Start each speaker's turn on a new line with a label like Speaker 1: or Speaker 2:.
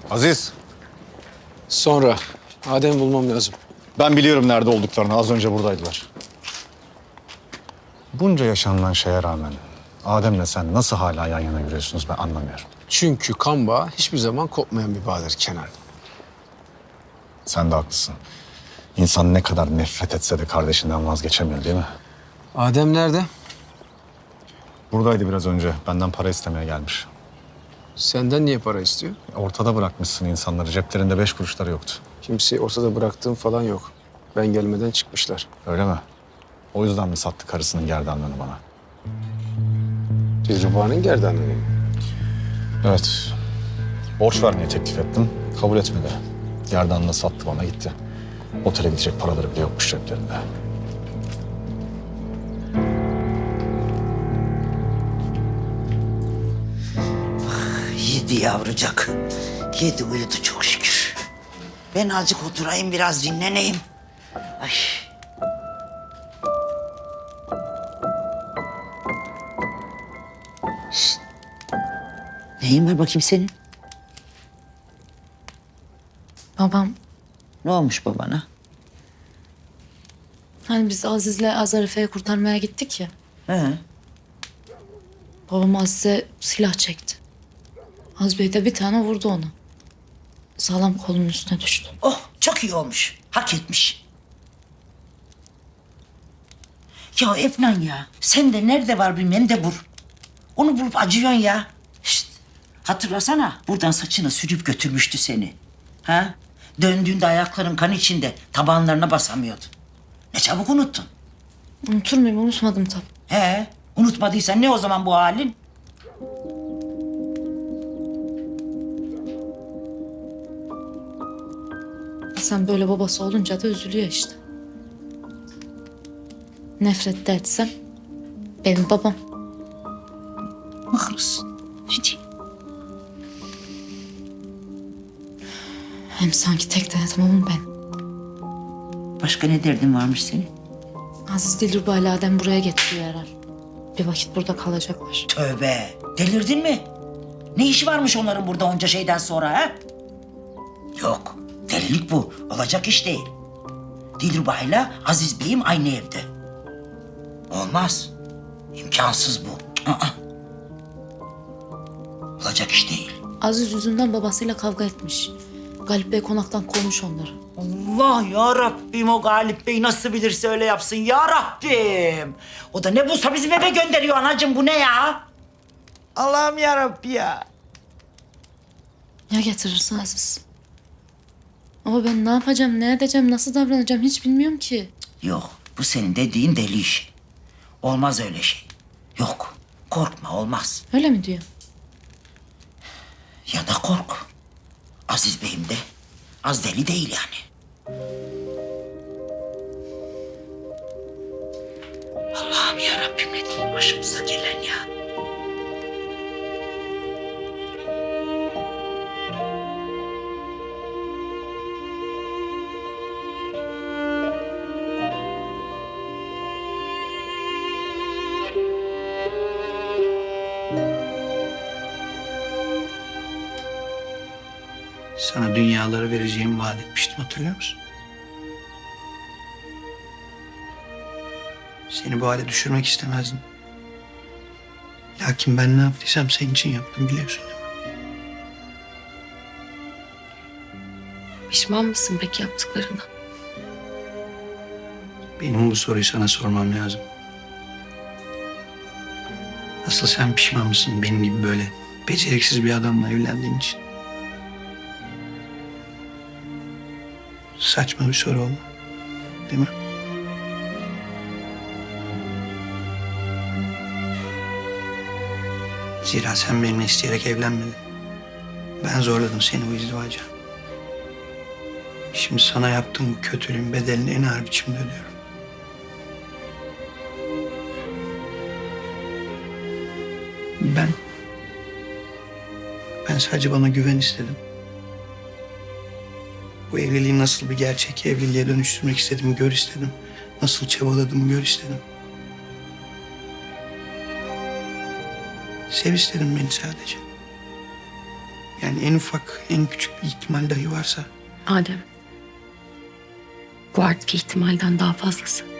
Speaker 1: Aziz,
Speaker 2: Sonra Adem'i bulmam lazım.
Speaker 1: ben biliyorum nerede olduklarını. Az önce buradaydılar. Bunca yaşanılan şeye rağmen Adem'le sen nasıl hala yan yana yürüyorsunuz ben anlamıyorum.
Speaker 2: Çünkü kan bağı hiçbir zaman kopmayan bir bağdır Kenan.
Speaker 1: Sen de haklısın. İnsan ne kadar nefret etse de kardeşinden vazgeçemiyor değil mi?
Speaker 2: Adem nerede?
Speaker 1: Buradaydı biraz önce. Benden para istemeye gelmiş.
Speaker 2: Senden niye para istiyor?
Speaker 1: Ortada bırakmışsın insanları. Ceplerinde 5 kuruşları yoktu.
Speaker 2: Kimseyi ortada bıraktığım falan yok. Ben gelmeden çıkmışlar.
Speaker 1: Öyle mi? O yüzden mi sattı karısının gerdanlığını bana?
Speaker 2: Dilruba'nın gerdanlığı mı?
Speaker 1: Evet. Borç vermeye teklif ettim. Kabul etmedi. Gerdanlığını sattı bana gitti. Otele gidecek paraları bile yokmuş ceplerinde.
Speaker 3: Yedi yavrucak. Yedi uyudu çok şükür. Ben azıcık oturayım biraz dinleneyim. Ay. Şişt. Neyin var bakayım senin?
Speaker 4: Babam,
Speaker 3: Ne olmuş babana?
Speaker 4: hani biz Aziz'le Azarife'yi kurtarmaya gittik ya.
Speaker 3: He.
Speaker 4: Babam Aziz'e silah çekti. Az Bey de bir tane vurdu ona. Sağlam kolunun üstüne düştü.
Speaker 3: Oh çok iyi olmuş. Hak etmiş. Ya Efnan ya. Sen de nerede var bir mendebur? Onu bulup acıyorsun ya. Şşt. Hatırlasana buradan saçını sürüp götürmüştü seni. Ha? Döndüğünde ayakların kan içinde tabanlarına basamıyordun. Ne çabuk unuttun.
Speaker 4: Unutur muyum? Unutmadım tabii.
Speaker 3: He, unutmadıysan ne o zaman bu halin?
Speaker 4: Sen böyle babası olunca da üzülüyor işte. Nefret de etsem benim babam.
Speaker 3: Haklısın. Ne diyeyim?
Speaker 4: Hem sanki tek denetim onun ben.
Speaker 3: Başka ne derdin varmış senin?
Speaker 4: Aziz Dilruba ile Adem buraya getiriyor herhal. Bir vakit burada kalacaklar.
Speaker 3: Tövbe, delirdin mi? Ne işi varmış onların burada onca şeyden sonra ha? Yok, delilik bu. Olacak iş değil. Dilruba'yla Aziz Bey'im aynı evde. Olmaz. İmkansız bu. Aa. Olacak iş değil.
Speaker 4: Aziz yüzünden babasıyla kavga etmiş. Galip Bey konaktan kovmuş onları.
Speaker 3: Allah ya Rabbim o Galip Bey nasıl bilirse öyle yapsın ya Rabbim. O da ne bulsa bizim eve gönderiyor anacığım bu ne ya? Allah'ım ya Rabbi ya.
Speaker 4: Ya getirirse Aziz? Ama ben ne yapacağım, ne edeceğim, nasıl davranacağım hiç bilmiyorum ki.
Speaker 3: Yok bu senin dediğin deli işi. Olmaz öyle şey. Yok korkma olmaz.
Speaker 4: Öyle mi diyor?
Speaker 3: Ya da kork. Aziz Bey'im de az deli değil yani. Allah'ım ya Rabbim ne diyeyim başımıza gelen ya.
Speaker 5: Sana dünyaları vereceğimi vaat etmiştim, hatırlıyor musun? Seni bu hale düşürmek istemezdim. Lakin ben ne yaptıysam senin için yaptım, biliyorsun değil mi?
Speaker 4: Pişman mısın peki yaptıklarına?
Speaker 5: Benim bu soruyu sana sormam lazım. Asıl sen pişman mısın benim gibi böyle beceriksiz bir adamla evlendiğin için? Saçma bir soru oldu, değil mi? Zira sen benimle isteyerek evlenmedin. Ben zorladım seni bu izdivaca. Şimdi sana yaptığım bu kötülüğün bedelini en ağır biçimde ödüyorum. Ben sadece bana güven istedim. Bu evliliği nasıl bir gerçek evliliğe dönüştürmek istedim, gör istedim. Nasıl çabaladım, gör istedim. Sev istedim beni sadece. Yani en ufak, en küçük bir ihtimal dahi varsa.
Speaker 6: Adem. Bu artık ihtimalden daha fazlası.